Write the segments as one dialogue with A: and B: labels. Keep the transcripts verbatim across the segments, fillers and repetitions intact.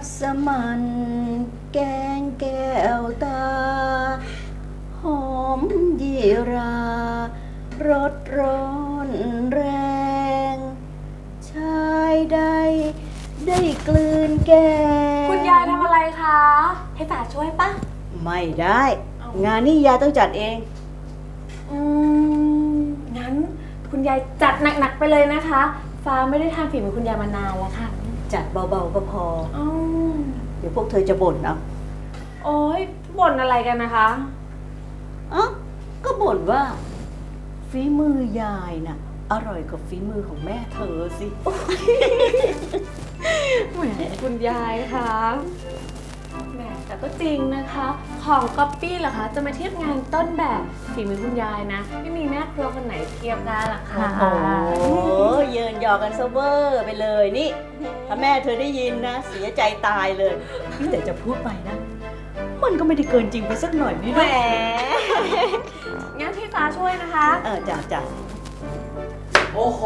A: สมันแกงแก้วตา หอมยีรารสร้อนแรง ชายใดได้กลืนแกง
B: คุณยายทำอะไรคะ ให้ฝาช่วยปะ
A: ไม่ได้ งานนี้ยายต้องจัดเอง
B: อืม งั้นคุณยายจัดหนักๆไปเลยนะคะ ฟ้าไม่ได้ทานฝีมือคุณยายมานานแล้วค่ะ
A: จัดเบาๆก็พอ
B: อืม
A: เดี๋ยวพวกเธอจะบ่นเอา
B: โอ๊ยบ่นอะไรกันนะคะ
A: อ๋อก็บ่นว่า ฝีมือยายน่ะ อร่อยกว่าฝีมือของแม่เธอสิ
B: แหมคุณยายคะแหมแต่ก็จริงนะคะ ของก๊อปปี้เหรอคะ จะมาเทียบงานต้นแบบฝีมือคุณยายนะ ไม่มีแม่ครัวคนไหนเทียบได้หรอกค่ะ
A: โอ้เยินหยอกกันเซเวอร์ไปเลยนี่ ถ้าแม่เธอได้ยินนะ เสียใจตายเลยนี่แต่จะพูดไปนะ มันก็ไม่ได้เกินจริงไปสักหน่อยนี่
B: แหม
A: นะ
B: งั้นพี่ฟ้าช่วยนะคะ
A: เออจ้ะจ้ะ
C: โอ้โห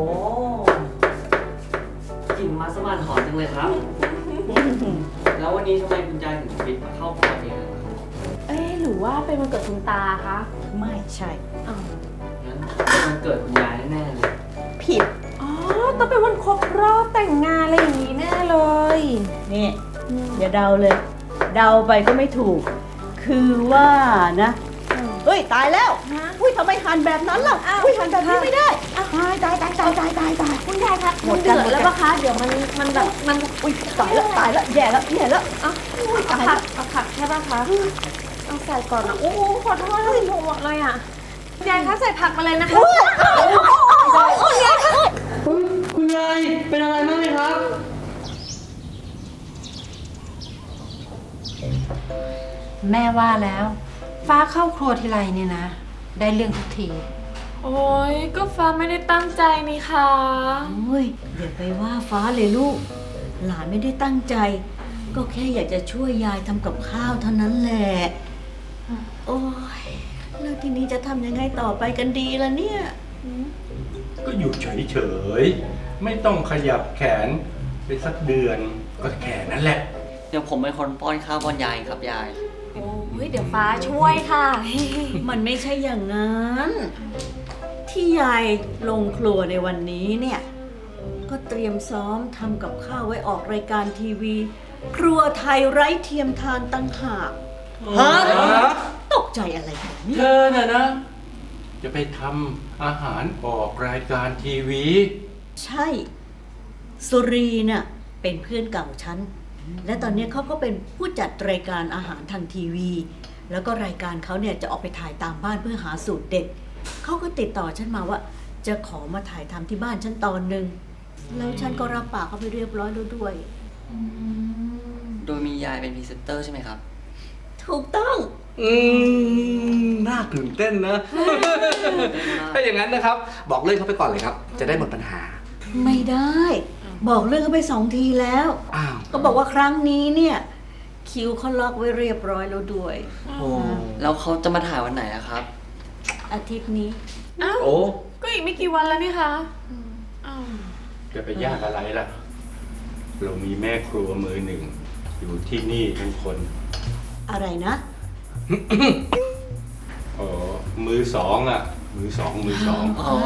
C: กลิ่นมัสมั่นหอมจังเลยครับ แล้ววันนี้ทำไมคุณยายถึงปิดมาเข้าครัวเองอะครับ
B: เอ๊ะหรือว่าเป็นวันเกิดคุณตาคะ
A: ไม่ใช่
B: อ้าว
C: งั้นเป็นวันเกิดคุณยายแน่ๆเลย
A: ผิด
B: อ๋อต้องเป็นวันครบรอบแต่งงานอะไรอย่างนี้แน่เลย
A: นี่ อย่าเดาเลย เดาไปก็ไม่ถูก คือว่านะ เฮ้ย ตายแล้ว
B: ฮะ
A: อุ้ยทำไมหันแบบนั้นล่ะ
B: อ้าว
A: อุ้ยหันแบบนี้ไม่ได้ตายตายตายตายตายตายตาย
B: คุณยายคะ
A: หม
B: มั
A: ด
B: น
A: กัน
B: เดือด
A: หมดกัน
B: แล้วปะคะ เดี๋ยวมันมันแบบมัน
A: อุ้ยตายแล้วตายแล้วแย่แล้วแย่แล้ว
B: อ่ะเอาผักเอาผักใช่ปะคะเอาใส่ก่อนนะโอ้โหขอโทษเลยหมดเลยอ่ะคุณยายคะใส่ผักมาเลยนะคะคุณยายคะ
C: คุณยายเป็นอะไรมากไหมครับ
D: แม่ว่าแล้ว ฟ้าเข้าครัวทีไรเนี่ยนะ ได้เรื่องทุกที
B: โอ้ยก็ฟ้าไม่ได้ตั้งใจนี่ค่ะ
A: โอ้ยอย่าไปว่าฟ้าเลยลูก หลานไม่ได้ตั้งใจ ก็แค่อยากจะช่วยยายทำกับข้าวเท่านั้นแหละ โอ้ยแล้วทีนี้จะทำยังไงต่อไปกันดีล่ะเนี่ย
E: ก็อยู่เฉยๆ ไม่ต้องขยับแขนไปสักเดือนก็แค่นั้นแหละ
C: เดี๋ยวผมเป็นคนป้อนข้าวป้อนยายครับยาย
B: โอ้ยเดี๋ยวฟ้าช่วยค่ะ
A: มันไม่ใช่อย่างนั้น ที่ยายลงครัวในวันนี้เนี่ย ก็เตรียมซ้อมทำกับข้าวไว้ออกรายการทีวี ครัวไทยไร้เทียมทานตั้งหาก
C: ฮะ
A: ตกใจอะไรแบบนี้
E: เธอน่ะนะ จะไปทำอาหารออกรายการทีวี
A: ใช่ สุรีน่ะเป็นเพื่อนเก่าฉัน และตอนนี้เขาก็เป็นผู้จัดรายการอาหารทางทีวี แล้วก็รายการเขาเนี่ยจะออกไปถ่ายตามบ้านเพื่อหาสูตรเด็ด เขาก็ติดต่อฉันมาว่า จะขอมาถ่ายทำที่บ้านฉันตอนหนึ่ง แล้วฉันก็รับปากเขาไปเรียบร้อยแล้วด้วย
C: โดยมียายเป็นพรีเซนเตอร์ใช่ไหมครับ
A: ถูกต้อง
E: อืม น่าตื่นเต้นนะ ถ้าอย่างนั้นนะครับ บอกเรื่องเขาไปก่อนเลยครับ จะได้หมดปัญหา
A: ไม่ได้ บอกเรื่องเขาไปสองทีแล้ว
E: อ้าว
A: ก็บอกว่าครั้งนี้เนี่ย คิวเขาล็อกไว้เรียบร้อยแล้วด้วย
C: โอ้ แล้วเขาจะมาถ่ายวันไหนอะครับ
A: อาทิตย์นี้
B: อ้าว
E: โอ้
B: ก็อีกไม่กี่วันแล้วนี่คะอ้าว
E: จะไปยากอะไรล่ะ เรามีแม่ครัวมือหนึ่ง อยู่ที่นี่ทั้งคน
A: อะไรนะ
E: อ๋อ มือสองอ่ะ มือสองมือสอง
C: อ๋อ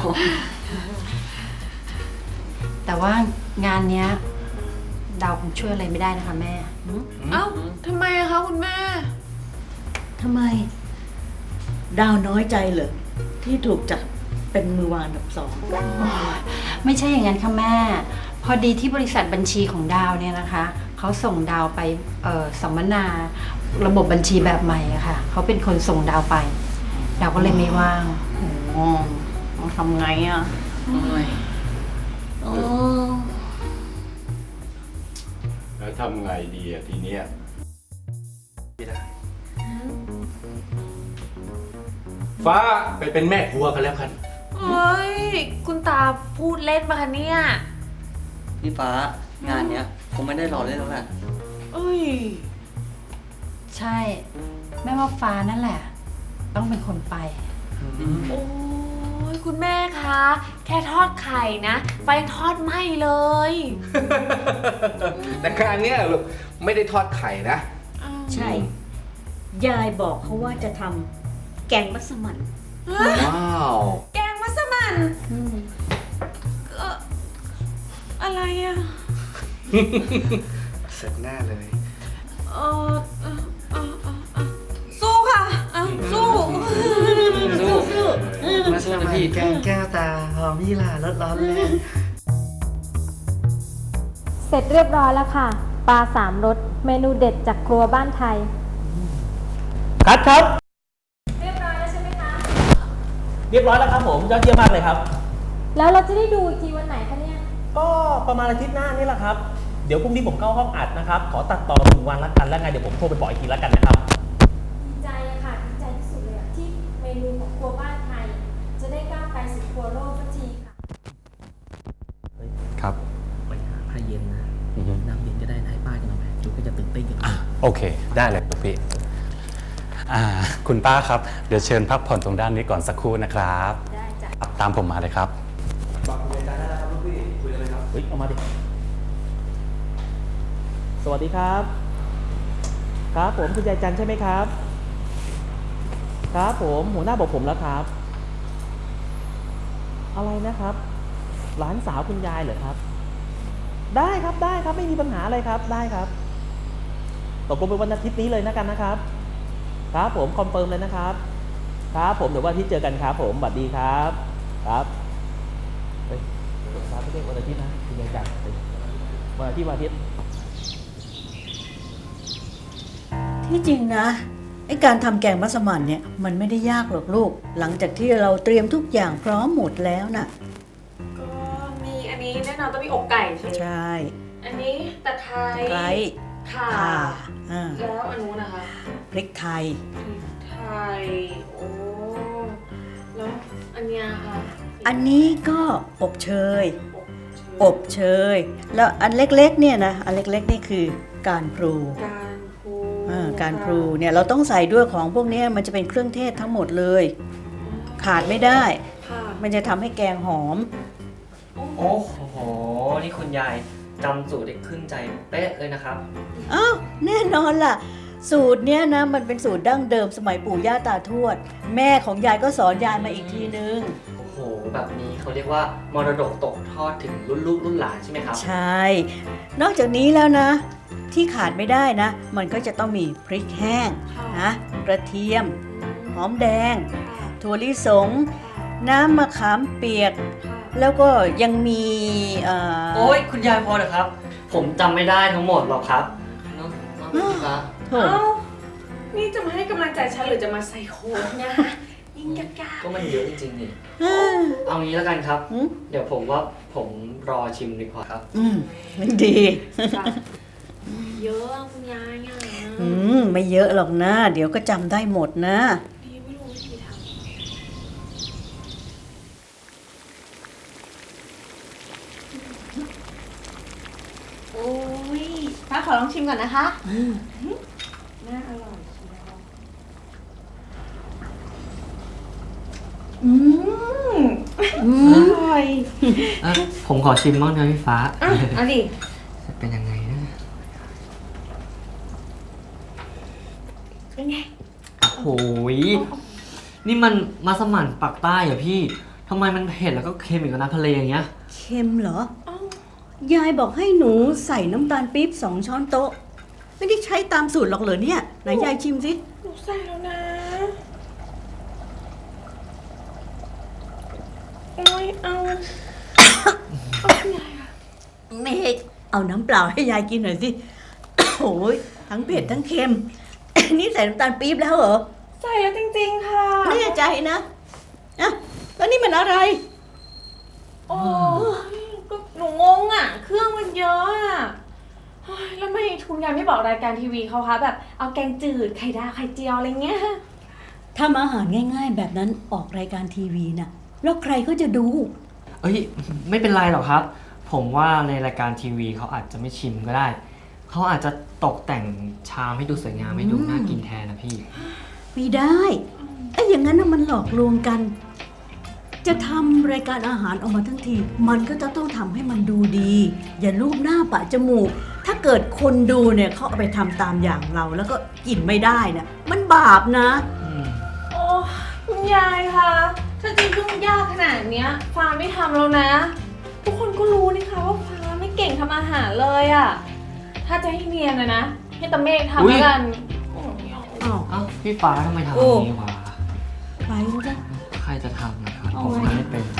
D: แต่ว่างานเนี้ยดาวคงช่วยอะไรไม่ได้นะคะแม่
B: เอ้าทำไมอะคะคุณแม่
A: ทำไม ดาวน้อยใจเหรอที่ถูกจัดเป็นมือวางอันดับสอง
D: ไม่ใช่อย่างนั้นค่ะแม่ พอดีที่บริษัทบัญชีของดาวเนี่ยนะคะ เขาส่งดาวไปเอ่อสัมมนาระบบบัญชีแบบใหม่อะค่ะเขาเป็นคนส่งดาวไป ดาวก็เลยไม่ว่าง
A: อ๋อต้องทำไงอ่ะ
C: โอ้ย
A: อ๋อ
E: แล้วทำไงดีอ่ะทีเนี้ยไม่ได้ ฟ้าไปเป็นแม่ครัวกันแล้วกัน
B: เฮ้ย คุณตาพูดเล่นปะคะเนี่ย
C: พี่ฟ้างานเนี้ยคงไม่ได้รอเล่นแล้วแหละ
B: เอ้ย
D: ใช่ แม่ว่าฟ้านั่นแหละ ต้องเป็นคนไป
B: โอ้ยยคุณแม่คะ แค่ทอดไข่นะไฟทอดไหม้เลย
E: แต่ครั้งเนี้ยลูกไม่ได้ทอดไข่นะ
A: ใช่ ยายบอกเขาว่าจะทำแกงมัสมั่น
E: ว้าว
B: แกงมัสมั่นเอ่ออะไรอะ
E: เสร็จแน่เลย
B: เออเออเออเออเออสู้ค่ะอ่ะสู้
C: สู้
E: มาสมัยแกงแก้วตาหอมยี่หร่ารสร้อนแรง
F: เสร็จเรียบร้อยแล้วค่ะ ปลาสามรสเมนูเด็ดจากครัวบ้านไทย
G: คัดครับ
F: เรียบร้อยแล้วใช่ไหมคะ
G: เรียบร้อยแล้วครับผมยอดเยี่ยมมากเลยครับ
F: แล้วเราจะได้ดูอีกทีวันไหนคะเนี่ย
G: ก็ประมาณอาทิตย์หน้านี่แหละครับ เดี๋ยวพรุ่งนี้ผมเข้าห้องอัดนะครับ ขอตัดต่อหนึ่งวันละกันแล้วไงเดี๋ยวผมโทรไปบอกอีกทีแล้วกันนะครับ
F: ดีใจอะค่ะ ดีใจที่สุดเลยอะที่เมนูของครัวบ้านไทย จะได้ก้าวไปสู่ครัวโลกสักทีค่ะ
H: ครับ
G: ไปหาผ้าเย็นนะน้ำเย็นจะได้ให้ป้ากันหน่อยจุ๊กก็จะตื่นเต้นกัน
H: โอเค ได้เลยครับพี่อ่าคุณป้าครับ เดี๋ยวเชิญพักผ่อนตรงด้านนี้ก่อนสักครู่นะครับ
F: ได้จ้ะ
H: ครับตามผมมาเลยครับ
E: บอกคุยกันได้แล้วครับลูกพี่คุยกันเลยครับ
G: เฮ้ยเอามาดิสวัสดีครับ ครับผมคุณยายจันใช่ไหมครับ ครับผมหัวหน้าบอกผมแล้วครับ อะไรนะครับ หลานสาวคุณยายเหรอครับ ได้ครับได้ครับไม่มีปัญหาอะไรครับได้ครับตกลงเป็นวันอาทิตย์นี้เลยนะกันนะครับ ครับผมคอนเฟิร์มเลยนะครับ ครับผมเดี๋ยววันอาทิตย์เจอกันครับ ผมสวัสดีครับครับเฮ้ยครับไม่ใช่วันอาทิตย์นะคุณยายจันวันอาทิตย์วันอาทิตย์
A: ที่จริงนะไอการทำแกงมัสมั่นเนี่ยมันไม่ได้ยากหรอกลูก หลังจากที่เราเตรียมทุกอย่างพร้อมหมดแล้วน่ะ
B: ก็มีอันนี้แน่นอนต้องมีอกไก่ใช่ไหม
A: ใช่
B: อันนี้ตะไคร้
A: ไคร้
B: ข่า
A: ข่าอ่า
B: แล้วอันนู้นนะคะ
A: พริกไทย
B: พริกไทยโอ้แล้วอันเนี้ยค่ะ
A: อันนี้ก็อบเชย
B: อ
A: อบ บเชย แล้วอันเล็กๆเนี่ยนะอันเล็กๆนี่คือการพลู
B: การพลู
A: อ่าการพลูเนี่ยเราต้องใส่ด้วยของพวกเนี้ยมันจะเป็นเครื่องเทศทั้งหมดเลย ขาดไม่ได้
B: ค่ะ
A: มันจะทำให้แกงหอม
C: โอ้โห นี่คุณยายจำสูตรได้ขึ้นใจเป๊ะเลยนะครับ
A: อ้าวแน่นอนล่ะ สูตรเนี้ยนะมันเป็นสูตรดั้งเดิมสมัยปู่ย่าตาทวด แม่ของยายก็สอนยายมาอีกทีนึง
C: โอ้โห แบบนี้เขาเรียกว่ามรดกตกทอดถึงรุ่นลูกรุ่นหลานใช่ไหมครับ
A: ใช่ นอกจากนี้แล้วนะ ที่ขาดไม่ได้นะ มันก็จะต้องมีพริกแห้งนะกระเทียม หอมแดง ถั่วลิสง น้ำมะขามเปียก แล้วก็ยังมีเอ่อ
C: โอ้ยคุณยายพอเถอะครับ ผมจำไม่ได้ทั้งหมดหรอกครับเนาะเนาะพี่ฟ้า
A: โถ
B: เอ้านี่จะมาให้กำลังใจฉันหรือจะมาใส่โค้ดเนะคะยิ่งยาก
C: ก็มันเยอะจริงๆนี่
A: อ่า
C: เอางี้แล้วกันครับ
A: อืม
C: เดี๋ยวผมว่าผมรอชิมดีกว่าครับ
A: อืมดี
B: ๆจ้ะเยอะอะคุณยายอ่ะ
A: อืมไม่เยอะหรอกนะ เดี๋ยวก็จำได้หมดนะ
B: ดีไม่รู้วิธีทำโอ้ยป้าขอลองชิมก่อนนะคะน่าอร่อยเชียวอืมอร่อย
C: อ่ะผมขอชิมบ้างนะพี่ฟ้า
B: อ่ะเอาดิ
C: จะเป็นยังไงนะ
B: เป็นไง
C: โอ้ยนี่มันมัสมั่นปักใต้เหรอพี่ทำไมมันเผ็ดแล้วก็เค็มอีกกับน้ำทะเลอย่างเงี้ย
A: เค็มเหรอ ยายบอกให้หนูใส่น้ำตาลปี๊บสองช้อนโต๊ะ ไม่ได้ใช้ตามสูตรหรอกเหรอเนี่ย ไหนยายชิมสิ
B: หนูใส่แล้วนะ โอ้ยเอา เอาคุณยายอะ
A: เมกเอาน้ำเปล่าให้ยายกินหน่อยสิ โอ้ยทั้งเผ็ดทั้งเค็ม นี่ใส่น้ำตาลปี๊บแล้วเหรอ
B: ใส่แล้วจริงๆค่ะ
A: แน่ใจนะอ่ะแล้วนี่มันอะไร
B: โอ้ยก็หนูงงอ่ะ เครื่องมันเยอะอ่ะเฮ้ยแล้วไม่คุณยายไม่บอกรายการทีวีเขาคะแบบเอาแกงจืดไข่ดาวไข่เจียวอะไรเงี้ย
A: ทำอาหารง่ายๆ แบบนั้นออกรายการทีวีน่ะ แล้วใครก็จะดู
C: เอ้ยไม่เป็นไรหรอกครับ ผมว่าในรายการทีวีเขาอาจจะไม่ชิมก็ได้ เขาอาจจะตกแต่งชามให้ดูสวยงามให้ดูน่ากินแทนนะพี่
A: ไม่ได้ไอ้อย่างนั้นน่ะมันหลอกลวงกันจะทำรายการอาหารออกมาทั้งที มันก็จะต้องทำให้มันดูดี อย่ารูปหน้าปะจมูก ถ้าเกิดคนดูเนี่ยเขาเอาไปทำตามอย่างเรา แล้วก็กินไม่ได้นะมันบาปนะ
B: โอ้คุณยายคะถ้าจะยุ่งยากขนาดเนี้ยฟ้าไม่ทำแล้วนะ ทุกคนก็รู้นี่คะว่าฟ้าไม่เก่งทำอาหารเลยอะถ้าจะให้เนียนนะนะให้ตาเมฆทำแล้วกันโอ้ยไม่เอา
A: อ้าว
C: เอ้าพี่ฟ้าทำไมทำ
A: โอ้
C: แบบนี้วะ
A: ไปแล้วจ้ะ
C: ใครจะทำนะครับ
A: เอา
C: ผม
A: ไว้
C: ทำไม่เป็น